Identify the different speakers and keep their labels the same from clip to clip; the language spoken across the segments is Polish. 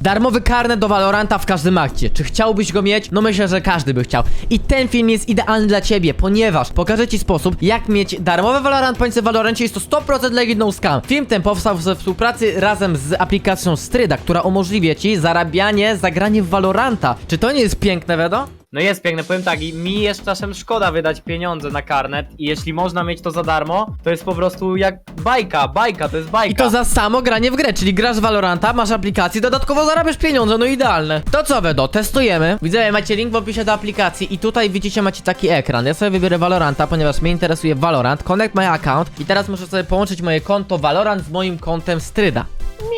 Speaker 1: Darmowy karnet do Valoranta w każdym akcie. Czy chciałbyś go mieć? No myślę, że każdy by chciał. I ten film jest idealny dla ciebie, ponieważ pokażę ci sposób, jak mieć darmowe Valorant points w Valorancie. Jest to 100% legit no scam. Film ten powstał we współpracy razem z aplikacją Stryda, która umożliwia ci zarabianie za granie w Valoranta. Czy to nie jest piękne, Wedo?
Speaker 2: No jest piękne, powiem tak, i mi jest czasem szkoda wydać pieniądze na karnet i jeśli można mieć to za darmo, to jest po prostu jak bajka, to jest bajka.
Speaker 1: I to za samo granie w grę, czyli grasz w Valoranta, masz aplikację, dodatkowo zarabiasz pieniądze, no idealne. To co, Wedo, testujemy. Widzowie, macie link w opisie do aplikacji i tutaj widzicie, macie taki ekran. Ja sobie wybiorę Valoranta, ponieważ mnie interesuje Valorant, connect my account i teraz muszę sobie połączyć moje konto Valorant z moim kontem Stryda.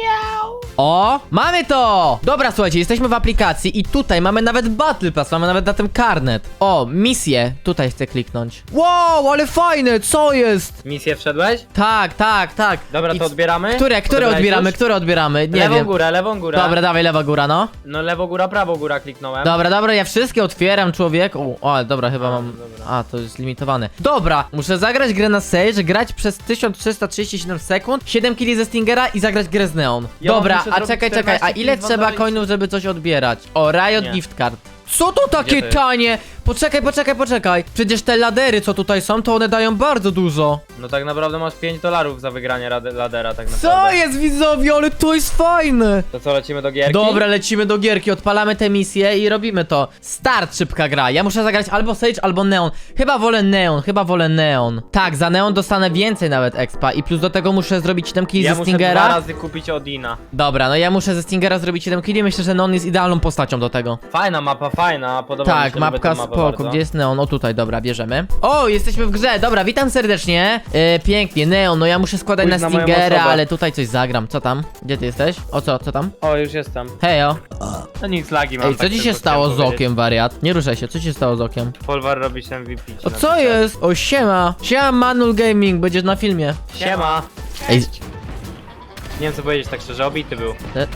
Speaker 1: O, mamy to! Dobra, słuchajcie, jesteśmy w aplikacji i tutaj mamy nawet Battle Pass, mamy nawet na tym karnet. O, misję, tutaj chcę kliknąć. Wow, ale fajne, co jest?
Speaker 2: Misję wszedłeś?
Speaker 1: Tak.
Speaker 2: Dobra,
Speaker 1: I
Speaker 2: to odbieramy?
Speaker 1: Które
Speaker 2: Odebrałeś
Speaker 1: odbieramy,
Speaker 2: już?
Speaker 1: które odbieramy? Nie
Speaker 2: Lewą
Speaker 1: wiem.
Speaker 2: górę, lewą górę.
Speaker 1: Dobra, dawaj, lewa góra, no.
Speaker 2: No lewo góra, prawo góra kliknąłem.
Speaker 1: Dobra, ja wszystkie otwieram, człowieku. O, ale dobra, chyba mam...
Speaker 2: dobra.
Speaker 1: A, to jest limitowane. Dobra, muszę zagrać grę na Sage, grać przez 1337 sekund, 7 killi ze Stingera i zagrać grę z Neon.
Speaker 2: Ja
Speaker 1: Dobra,
Speaker 2: muszę
Speaker 1: a
Speaker 2: zrobić
Speaker 1: czekaj, a
Speaker 2: 14
Speaker 1: ile
Speaker 2: killi,
Speaker 1: trzeba
Speaker 2: 20?
Speaker 1: coinów, żeby coś odbierać? O, Riot
Speaker 2: Nie.
Speaker 1: Gift Card. Co to takie
Speaker 2: Gdzie to jest?
Speaker 1: tanie? Poczekaj. Przecież te ladery, co tutaj są, to one dają bardzo dużo.
Speaker 2: No tak naprawdę masz $5 za wygranie ladera tak naprawdę.
Speaker 1: Co jest, widzowie, ale to jest fajne.
Speaker 2: To co, lecimy do gierki?
Speaker 1: Dobra, lecimy do gierki, odpalamy tę misję i robimy to. Start, szybka gra. Ja muszę zagrać albo Sage, albo Neon. Chyba wolę Neon. Tak, za Neon dostanę więcej nawet expa i plus do tego muszę zrobić 7 killi
Speaker 2: Ja
Speaker 1: ze
Speaker 2: muszę 2
Speaker 1: Stingera.
Speaker 2: razy kupić Odina.
Speaker 1: Dobra, no ja muszę ze Stingera zrobić 7 killi, myślę, że Neon jest idealną postacią do tego.
Speaker 2: Fajna mapa, fajna, podoba mi
Speaker 1: Tak,
Speaker 2: się, lubię
Speaker 1: mapka
Speaker 2: tę mapę
Speaker 1: spoko,
Speaker 2: bardzo.
Speaker 1: gdzie jest Neon? O tutaj, dobra, bierzemy. O, jesteśmy w grze, dobra, witam serdecznie. Pięknie, Neon, no ja muszę składać
Speaker 2: Pójdź
Speaker 1: na
Speaker 2: na moją
Speaker 1: Stingera,
Speaker 2: osobę.
Speaker 1: ale tutaj coś zagram. Co tam? Gdzie ty jesteś? O co tam?
Speaker 2: O, już jestem.
Speaker 1: Hejo.
Speaker 2: No nic, lagi mam.
Speaker 1: Ej, co
Speaker 2: tak
Speaker 1: ci się
Speaker 2: tylko
Speaker 1: stało z
Speaker 2: chciałem powiedzieć.
Speaker 1: okiem, wariat? Nie ruszaj się, co ci się stało z okiem?
Speaker 2: Polwar robi się MVP.
Speaker 1: O co jest? O siema! Siema Manul Gaming, będziesz na filmie.
Speaker 2: Siema.
Speaker 1: Ej,
Speaker 2: Nie wiem co powiedzieć tak szczerze, obity był.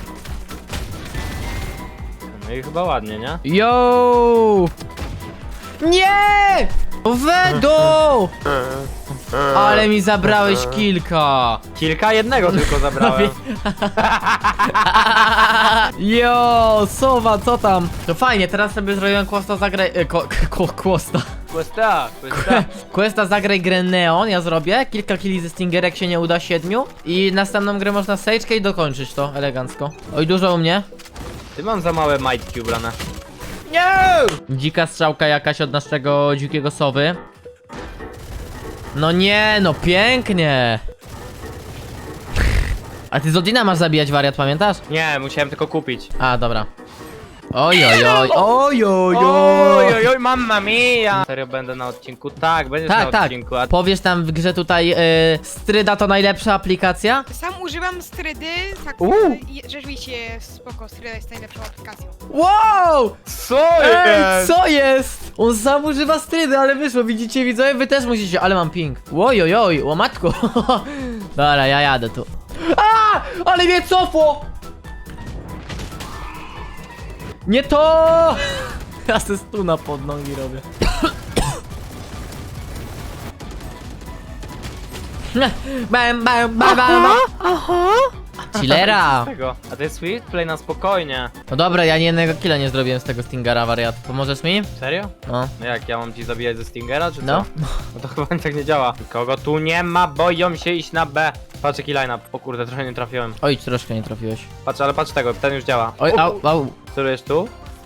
Speaker 2: No i chyba ładnie, nie?
Speaker 1: yo! Nie! Wedo! Ale mi zabrałeś kilka.
Speaker 2: Kilka? Jednego tylko zabrałem.
Speaker 1: Yo, Sowa, co tam? To fajnie, teraz sobie zrobiłem Questa zagraj... Questa. Questa zagraj grę Neon, ja zrobię. Kilka killi ze Stingerek się nie uda, 7. I następną grę można Sage'kę i dokończyć to elegancko. Oj, dużo u mnie.
Speaker 2: Ty mam za małe majtki ubrane.
Speaker 1: Nie! Dzika strzałka jakaś od naszego dzikiego sowy. No nie, no pięknie. A ty z Odina masz zabijać, wariat, pamiętasz?
Speaker 2: Nie, musiałem tylko kupić.
Speaker 1: A, dobra. Ojojoj.
Speaker 2: Oj, mamma mia! Serio będę na odcinku? Tak, będziesz na
Speaker 1: Tak.
Speaker 2: odcinku. A
Speaker 1: Powiesz tam w grze tutaj, Stryda to najlepsza aplikacja?
Speaker 3: Sam używam Strydy, tak, i rzeczywiście spoko, Stryda jest najlepszą aplikacją.
Speaker 1: Wow!
Speaker 2: co
Speaker 1: Ej, co jest? On sam używa Strydy, ale wyszło, widzicie widzowie? Wy też musicie, ale mam ping. Ojojoj, łomatko. Dobra, ja jadę tu. A! Ale mnie cofło! Nie to! Ja se stuna pod nogi robię. Bam. Chillera!
Speaker 2: Tego. A to jest Swift Play na spokojnie.
Speaker 1: No dobra, ja ani jednego killa nie zrobiłem z tego Stingera, wariat. Pomożesz mi?
Speaker 2: Serio?
Speaker 1: No.
Speaker 2: No jak, ja mam ci zabijać ze Stingera, czy co?
Speaker 1: No.
Speaker 2: No to chyba tak nie działa. Kogo tu nie ma, boją się iść na B. Patrz jaki line-up. O kurde, trochę nie trafiłem.
Speaker 1: Oj, troszkę nie trafiłeś.
Speaker 2: Patrz, ale patrz tego, ten już działa.
Speaker 1: Oj, au.
Speaker 2: Celujesz tu?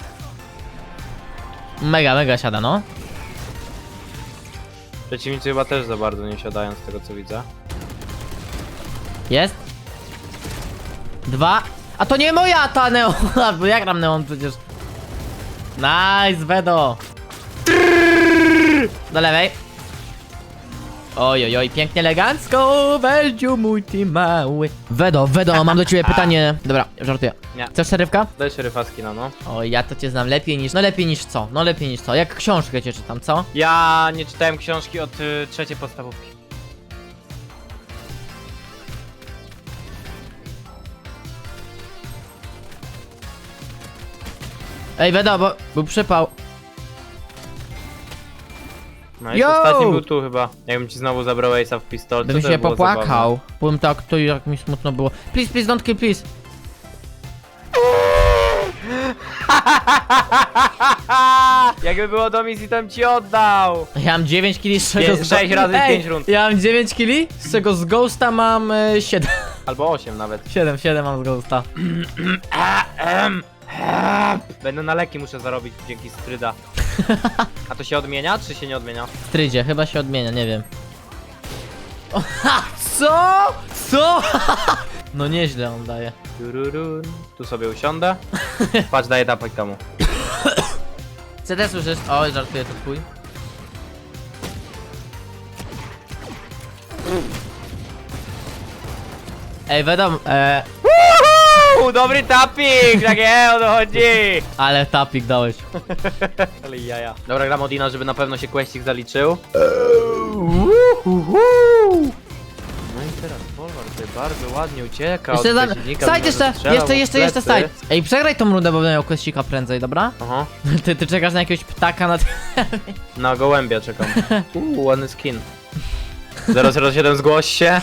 Speaker 1: Mega siada, no.
Speaker 2: Przeciwnicy chyba też za bardzo nie siadają z tego co widzę.
Speaker 1: Jest. 2. A to nie moja ta Neon, bo ja gram Neon przecież. Nice, Wedo. Do lewej. Ojojoj, pięknie elegancko, Weldziu mój ty mały. Wedo, mam do ciebie pytanie. Dobra, żartuję.
Speaker 2: Nie.
Speaker 1: Chcesz szerywka?
Speaker 2: Daj szeryfa skina, no.
Speaker 1: O, ja to cię znam lepiej niż, lepiej niż co? No lepiej niż co? Jak książkę cię czytam, co?
Speaker 2: Ja nie czytałem książki od trzeciej podstawówki.
Speaker 1: Ej, Wedo, bo był przypał.
Speaker 2: No i
Speaker 1: Yo!
Speaker 2: ostatni był tu chyba. Jakbym ci znowu zabrał Ace'a w pistolce,
Speaker 1: Bym
Speaker 2: to
Speaker 1: się
Speaker 2: by było
Speaker 1: popłakał. Byłem tak, to jak mi smutno było. Please, don't kill, please.
Speaker 2: Jakby było do misji, to bym ci oddał.
Speaker 1: Ja mam 9 killi, z czego...
Speaker 2: 6 razy 5 rund.
Speaker 1: Ja mam 9 killi, z czego z Ghosta mam 7.
Speaker 2: Albo 8 nawet.
Speaker 1: 7 mam z Ghosta.
Speaker 2: Będę na leki muszę zarobić dzięki stryda. A to się odmienia, czy się nie odmienia?
Speaker 1: W Strydzie, chyba się odmienia, nie wiem. O, ha, co? Co? No nieźle on daje.
Speaker 2: Tururun. Tu sobie usiądę. Patrz, daję tapek temu.
Speaker 1: CD słyszysz? Oj, żartuję, to twój. Ej, wiadomo,
Speaker 2: Dobry tapik, tak o to chodzi.
Speaker 1: ale tapik dałeś.
Speaker 2: Ale jaja. Dobra, gram Odina, żeby na pewno się questik zaliczył. No i teraz Polwar tutaj bardzo ładnie ucieka
Speaker 1: Jeszcze
Speaker 2: od
Speaker 1: za...
Speaker 2: przeciwnika,
Speaker 1: Side
Speaker 2: mimo że
Speaker 1: jeszcze,
Speaker 2: strzelał
Speaker 1: jeszcze
Speaker 2: w plecy.
Speaker 1: side. Ej, przegraj tą rundę, bo będę miał questika prędzej, dobra?
Speaker 2: Aha.
Speaker 1: Ty czekasz na jakiegoś ptaka na...
Speaker 2: Na gołębia czekam. Ładny skin. 007 zgłoś się.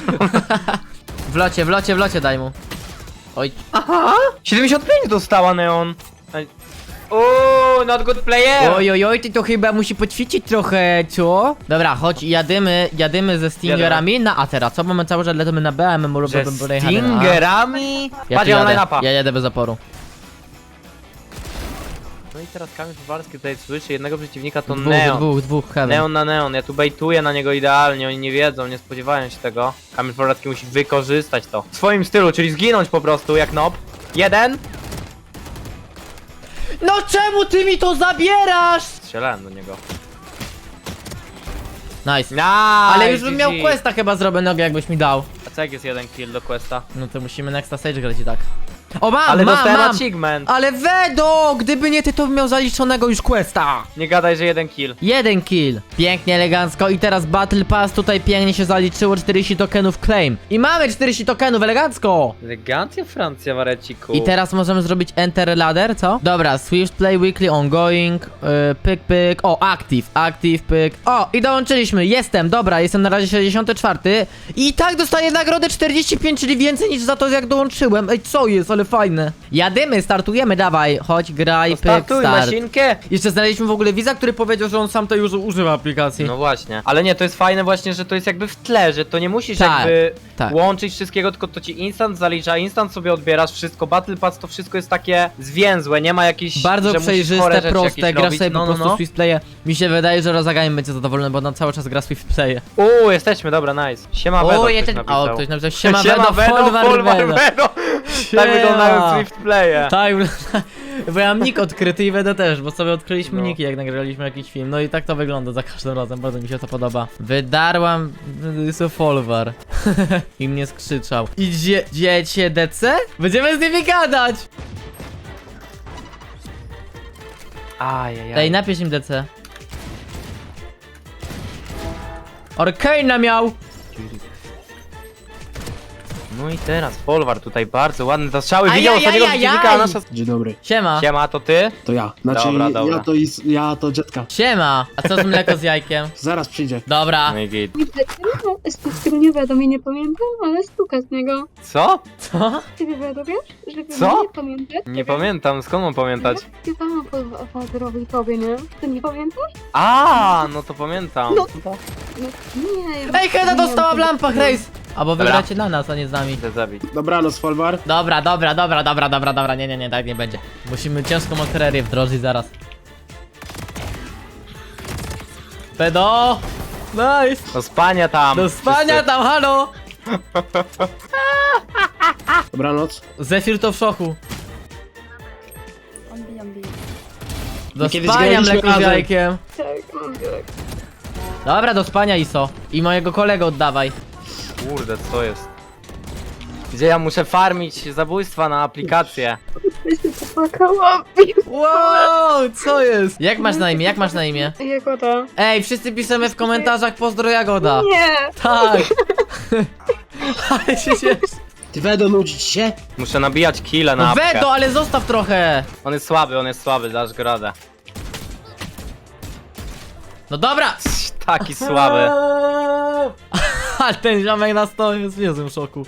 Speaker 1: W locie daj mu. Oj.
Speaker 2: Aha! 75 dostała Neon. Uuu, not good player!
Speaker 1: Oj, ty to chyba musi poćwiczyć trochę, co? Dobra, chodź, jadymy ze Stingerami na A teraz, co? Mamy cały czas lecimy na B, a my mu
Speaker 2: Że
Speaker 1: robimy
Speaker 2: Stingerami? Patrz, ja mam line-upa.
Speaker 1: Ja jadę bez oporu.
Speaker 2: No i teraz Kamil Puwarski tutaj słyszy jednego przeciwnika, to Neon.
Speaker 1: Dwóch, heaven.
Speaker 2: Neon na Neon, ja tu bejtuję na niego idealnie, oni nie wiedzą, nie spodziewają się tego. Kamil Puwarski musi wykorzystać to w swoim stylu, czyli zginąć po prostu jak nob. Jeden.
Speaker 1: No czemu ty mi to zabierasz?
Speaker 2: Strzelałem do niego.
Speaker 1: Nice.
Speaker 2: Nice,
Speaker 1: Ale już bym miał
Speaker 2: GG.
Speaker 1: questa chyba zrobionego, jakbyś mi dał.
Speaker 2: A co jak jest jeden kill do questa?
Speaker 1: No to musimy next stage grać i tak. O, mam,
Speaker 2: Ale
Speaker 1: mam.
Speaker 2: dostałem achievement.
Speaker 1: Ale Wedo, gdyby nie ty, to bym miał zaliczonego już questa.
Speaker 2: Nie gadaj, że jeden kill.
Speaker 1: Jeden kill. Pięknie, elegancko. I teraz Battle Pass tutaj pięknie się zaliczyło. 40 tokenów claim. I mamy 40 tokenów, elegancko.
Speaker 2: Elegancja Francja, Wareciku.
Speaker 1: I teraz możemy zrobić Enter Ladder, co? Dobra, Swift Play Weekly Ongoing, pyk. O, Active, pyk. O, i dołączyliśmy, dobra, jestem na razie 64. I tak dostaję nagrodę 45, czyli więcej niż za to, jak dołączyłem. Ej, co jest, ale fajne. Jadymy, startujemy, dawaj, chodź, graj, pyk,
Speaker 2: Startuj
Speaker 1: start.
Speaker 2: masinkę.
Speaker 1: Jeszcze znaleźliśmy w ogóle widza, który powiedział, że on sam to już używa aplikacji.
Speaker 2: No właśnie. Ale nie, to jest fajne właśnie, że to jest jakby w tle, że to nie musisz
Speaker 1: Tak,
Speaker 2: jakby
Speaker 1: tak.
Speaker 2: łączyć wszystkiego, tylko to ci instant zalicza, instant sobie odbierasz wszystko, Battle Pass to wszystko jest takie zwięzłe, nie ma jakichś,
Speaker 1: Bardzo
Speaker 2: że musisz chore
Speaker 1: przejrzyste,
Speaker 2: rzeczy
Speaker 1: proste,
Speaker 2: jakieś
Speaker 1: grasz
Speaker 2: robić.
Speaker 1: sobie po
Speaker 2: No.
Speaker 1: prostu Swift Playe. Mi się wydaje, że Rozagami będzie zadowolony, bo on cały czas gra Swift Playe.
Speaker 2: Jesteśmy, dobra, nice. Siema Vedo, ktoś napisał.
Speaker 1: O, ktoś napisał, siema Vedo, Folwar Vedo.
Speaker 2: Tak wyglądają Swift Playe.
Speaker 1: Tak, bo ja mam nick odkryty i Vedo też, bo sobie odkryliśmy
Speaker 2: No.
Speaker 1: niki, jak nagraliśmy jakiś film. No i tak to wygląda za każdym razem, bardzo mi się to podoba. Wydarłam Folwar. I mnie skrzyczał. Idziecie DC? Będziemy z nimi gadać!
Speaker 2: Ajajaj.
Speaker 1: Ej, napisz im DC. Orkane'a miał!
Speaker 2: No i teraz Folwar tutaj bardzo ładny zastrzały,
Speaker 1: Ajajaj,
Speaker 2: widział ostatniego przeciwnika, a nasza...
Speaker 4: Dzień dobry,
Speaker 1: Siema.
Speaker 2: Siema, to ty?
Speaker 4: to ja. Znaczy,
Speaker 2: Dobra.
Speaker 4: ja to Jetka.
Speaker 1: Siema. A co z mleko z jajkiem?
Speaker 4: Zaraz przyjdzie.
Speaker 1: Dobra.
Speaker 2: No i git.
Speaker 5: Z nie wiadomo, nie pamiętam, ale stuka z niego.
Speaker 2: Co?
Speaker 1: Co?
Speaker 5: Ty wiadomiesz? Że
Speaker 2: Co?
Speaker 5: nie pamiętasz?
Speaker 2: Nie pamiętam, skąd mam pamiętać?
Speaker 5: Śpiewałam Folwarowi tobie, nie? Ty nie pamiętasz?
Speaker 2: A, no to pamiętam.
Speaker 5: No. No, nie.
Speaker 1: Ej, Heda dostała w lampach, Race! Albo
Speaker 2: Dobra.
Speaker 1: wygracie na nas, a nie z nami.
Speaker 2: Chcę zabić.
Speaker 4: Dobranoc, Folwar.
Speaker 1: Dobra, nie, tak nie będzie. Musimy ciężką artylerię wdrożyć zaraz. Pedo! Nice!
Speaker 2: Do spania tam.
Speaker 1: Do spania
Speaker 2: wszyscy.
Speaker 1: tam, halo!
Speaker 4: Dobranoc.
Speaker 1: Zefir to w szoku. Do
Speaker 4: My kiedyś
Speaker 1: spania
Speaker 4: graliśmy
Speaker 1: mleko z
Speaker 4: razem.
Speaker 1: jajkiem.
Speaker 5: Tak, tak.
Speaker 1: Dobra, do spania ISO. I mojego kolegę oddawaj.
Speaker 2: Kurde, co jest? Gdzie ja muszę farmić zabójstwa na aplikację?
Speaker 5: Ja się popłakałam.
Speaker 1: Wow, co jest? Jak masz na imię?
Speaker 5: Jagoda.
Speaker 1: Ej, wszyscy piszemy w komentarzach pozdro Jagoda.
Speaker 5: Nie.
Speaker 1: Tak. Ale się cieszę.
Speaker 4: Ty Wedo, nudzić się?
Speaker 2: Muszę nabijać kile na
Speaker 1: No
Speaker 2: apkę.
Speaker 1: Wedo, ale zostaw trochę.
Speaker 2: On jest słaby, dasz go radę.
Speaker 1: No dobra.
Speaker 2: Taki słaby.
Speaker 1: Ale ten ziomek na stole jest w niezłym szoku.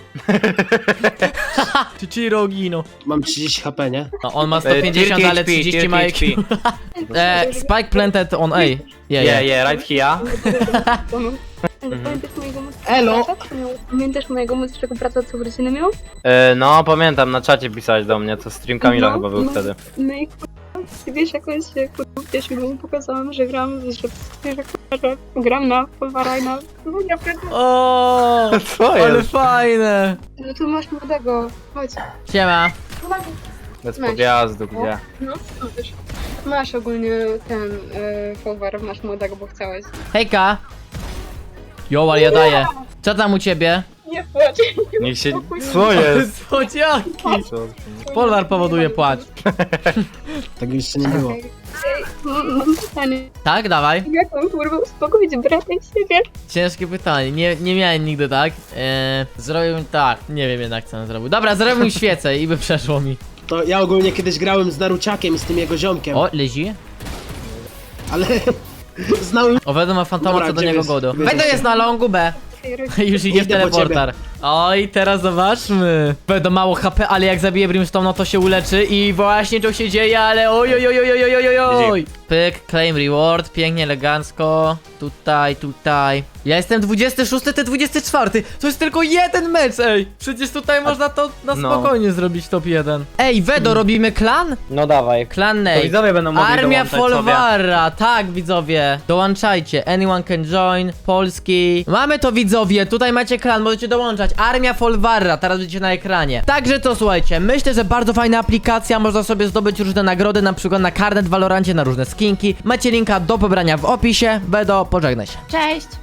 Speaker 1: Chichiro Gino.
Speaker 4: Mam 30 HP, nie?
Speaker 1: No, on ma 150, ale 30 ma IQ. Spike planted on A.
Speaker 2: Yeah, right here.
Speaker 5: Ale pamiętasz mojego
Speaker 4: Elo!
Speaker 5: brata? Pamiętasz mojego młodszego brata, co urodziny miał?
Speaker 2: No, pamiętam, na czacie pisałeś do mnie, to stream Kamila chyba był wtedy.
Speaker 5: No i ty wiesz, jakoś gdzieś mu pokazałam, że gram, że gram na Polvara i na... No ja pierdolę.
Speaker 1: O,
Speaker 2: Co
Speaker 1: ale
Speaker 2: jest?
Speaker 1: fajne.
Speaker 5: No tu masz młodego, chodź.
Speaker 1: Siema.
Speaker 2: Bez podjazdu, gdzie?
Speaker 5: No, wiesz. Masz ogólnie ten Polvar, masz młodego, bo chciałeś.
Speaker 1: Hejka. Jo, ale ja daję. Co tam u ciebie?
Speaker 5: Nie płacz.
Speaker 2: Niech się... Co jest?
Speaker 1: Słodziaki.
Speaker 2: Co?
Speaker 1: Polwar powoduje płacz.
Speaker 4: Tak jeszcze nie było.
Speaker 5: Mam pytanie.
Speaker 1: Tak, dawaj.
Speaker 5: Jak mam kurwa uspokoić brata i siebie?
Speaker 1: Ciężkie pytanie, nie miałem nigdy tak. Zrobił tak, nie wiem jednak co on zrobił. Dobra, zrobił świecę i by przeszło mi.
Speaker 4: To ja ogólnie kiedyś grałem z Naruciakiem i z tym jego ziomkiem,
Speaker 1: O, Lizi.
Speaker 4: ale znałem...
Speaker 1: O, Wedo ma fantoma,
Speaker 4: Dobra,
Speaker 1: co do
Speaker 4: gdzie
Speaker 1: niego
Speaker 4: jest?
Speaker 1: godo.
Speaker 4: Gdzie
Speaker 1: Wedo
Speaker 4: jest?
Speaker 1: jest na longu B. Już idzie w
Speaker 4: Idę po
Speaker 1: teleportar. Oj, teraz zobaczmy. Wedo mało HP, ale jak zabije Brimstone, no to się uleczy i właśnie to się dzieje, ale oj, oj, oj, oj, oj, oj, oj, oj. Pyk, claim reward, pięknie, elegancko. Tutaj. Ja jestem 26, ty 24. To jest tylko jeden mecz, ej. Przecież tutaj można to na
Speaker 2: No.
Speaker 1: spokojnie zrobić top 1. Ej, Wedo, robimy klan?
Speaker 2: No dawaj.
Speaker 1: Klan
Speaker 2: To
Speaker 1: Nate.
Speaker 2: widzowie będą mogli
Speaker 1: Armia
Speaker 2: dołączać sobie.
Speaker 1: Folwara, tak widzowie, dołączajcie, anyone can join, Polski. Mamy to widzowie, tutaj macie klan, możecie dołączać, Armia Folwara, teraz będziecie na ekranie. Także to słuchajcie, myślę, że bardzo fajna aplikacja, można sobie zdobyć różne nagrody, na przykład na karnet w Valorancie, na różne skinki. Macie linka do pobrania w opisie, Bedo, pożegnaj się.
Speaker 3: Cześć!